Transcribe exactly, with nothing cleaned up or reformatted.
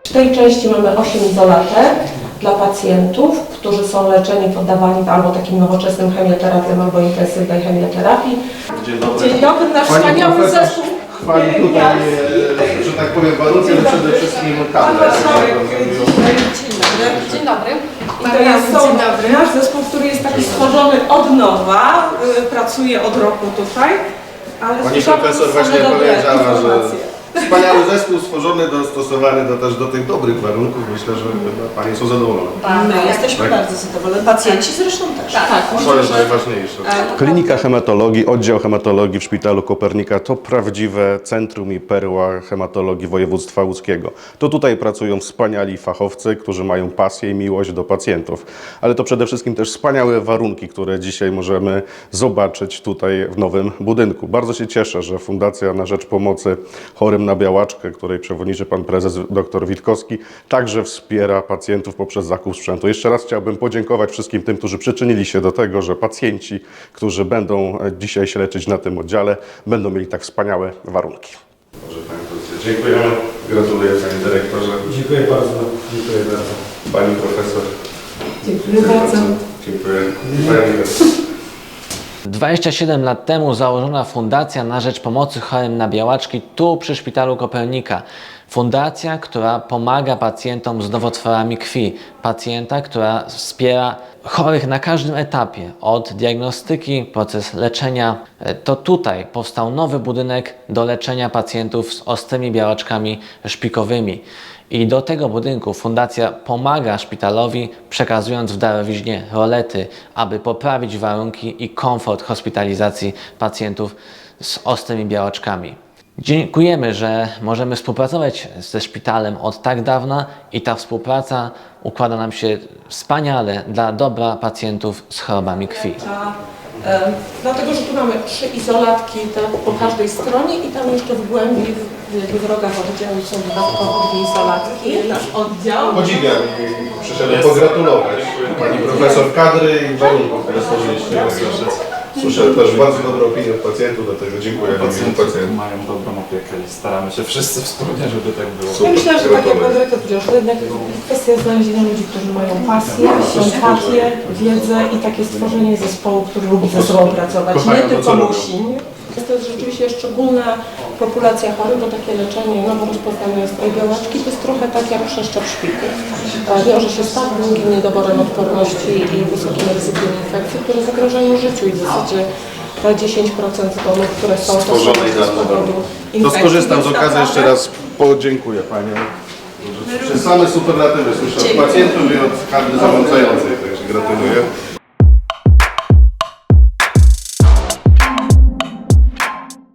W tej części mamy osiem izolatek dla pacjentów, którzy są leczeni, poddawani albo takim nowoczesnym chemioterapiom, albo intensywnej chemioterapii. Dzień dobry. Dzień dobry, nasz Pani wspaniały profesor zespół. chwali tutaj, e, że tak powiem, warunki, ale przede wszystkim kadrę. Dzień dobry. Dzień dobry. I to jest są, nasz zespół, który jest taki stworzony od nowa, y, pracuje od roku tutaj. Ale Pani słyszałam profesor same właśnie dobre powiedziała, że informacje. wspaniały zespół stworzony, dostosowany do, też do tych dobrych warunków. Myślę, że chyba Panie są zadowolone. My jesteśmy Tak. bardzo zadowoleni, pacjenci zresztą też. Tak, To jest najważniejsze. Klinika Hematologii, oddział hematologii w Szpitalu Kopernika to prawdziwe centrum i perła hematologii województwa łódzkiego. To tutaj pracują wspaniali fachowcy, którzy mają pasję i miłość do pacjentów. Ale to przede wszystkim też wspaniałe warunki, które dzisiaj możemy zobaczyć tutaj w nowym budynku. Bardzo się cieszę, że Fundacja na Rzecz Pomocy Chorym na Białaczkę, której przewodniczy pan prezes dr Witkowski, także wspiera pacjentów poprzez zakup sprzętu. Jeszcze raz chciałbym podziękować wszystkim tym, którzy przyczynili się do tego, że pacjenci, którzy będą dzisiaj się leczyć na tym oddziale, będą mieli tak wspaniałe warunki. Dobrze, panie prezesie, dziękujemy. Gratuluję, panie dyrektorze. Dziękuję bardzo. Dziękuję bardzo. Pani profesor. Dziękuję bardzo. Dziękuję. Panie dyrektor. dwadzieścia siedem lat temu założona Fundacja na Rzecz Pomocy Chorym na Białaczki tu przy Szpitalu Kopernika. Fundacja, która pomaga pacjentom z nowotworami krwi. Pacjenta, która wspiera chorych na każdym etapie, od diagnostyki, proces leczenia. To tutaj powstał nowy budynek do leczenia pacjentów z ostrymi białaczkami szpikowymi. I do tego budynku Fundacja pomaga szpitalowi, przekazując w darowiźnie rolety, aby poprawić warunki i komfort hospitalizacji pacjentów z ostrymi białaczkami. Dziękujemy, że możemy współpracować ze szpitalem od tak dawna i ta współpraca układa nam się wspaniale dla dobra pacjentów z chorobami krwi. E, dlatego, że tu mamy trzy izolatki te, po każdej stronie i tam jeszcze w głębi, w, w wrogach oddziału są dodatkowo dwie izolatki. Nasz oddział. Podziwiam i przyszedłem pogratulować pani profesor kadry i warunków, które stworzyliście. Słyszę też bardzo dobre opinie od pacjentów, dlatego dziękuję Pacjenci pacjentom. mają dobrą opiekę i staramy się wszyscy wspólnie, żeby tak było. Ja myślę, że tak jak pan dyrektor powiedział, że jednak kwestia znalezienia ludzi, którzy mają pasję, sympatię, wiedzę i takie stworzenie zespołu, który lubi ze sobą pracować, nie tylko musi. To jest rzeczywiście szczególna populacja chorych, bo takie leczenie nowo rozpoznanej ostrej białaczki to jest trochę tak jak przeszczep szpiku. Wiąże się z tak długim niedoborem odporności i wysokim ryzykiem infekcji, które zagrażają życiu i w zasadzie te dziesięć procent domów, które są Stworzonej dla powodu. To skorzystam z okazji, jeszcze raz podziękuję Panią. Przez same superlatywy słyszę od pacjentów i od kadry zarządzającej, także gratuluję.